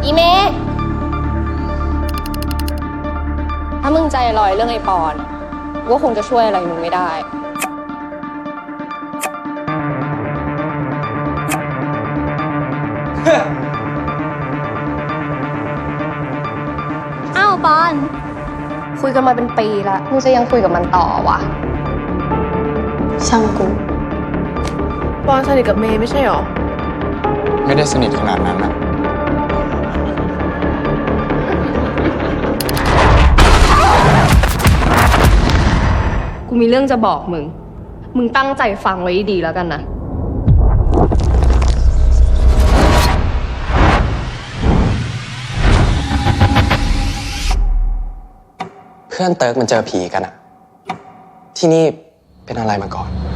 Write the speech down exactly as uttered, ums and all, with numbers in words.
อีเมย์ถ้ามึงใจลอยเรื่องไอ้ปอนก็คงจะช่วยอะไรมึงไม่ได้อ้าวปอนคุยกันมาเป็นปีละมึงจะยังคุยกับมันต่อวะช่างกูปอนสนิทกับเมย์ไม่ใช่หรอไม่ได้สนิทขนาดนั้นนะกูมีเรื่องจะบอกมึงมึงตั้งใจฟังไว้ดีแล้วกันนะเพื่อนเติร์กมันเจอผีกันอะที่นี่เป็นอะไรมาก่อน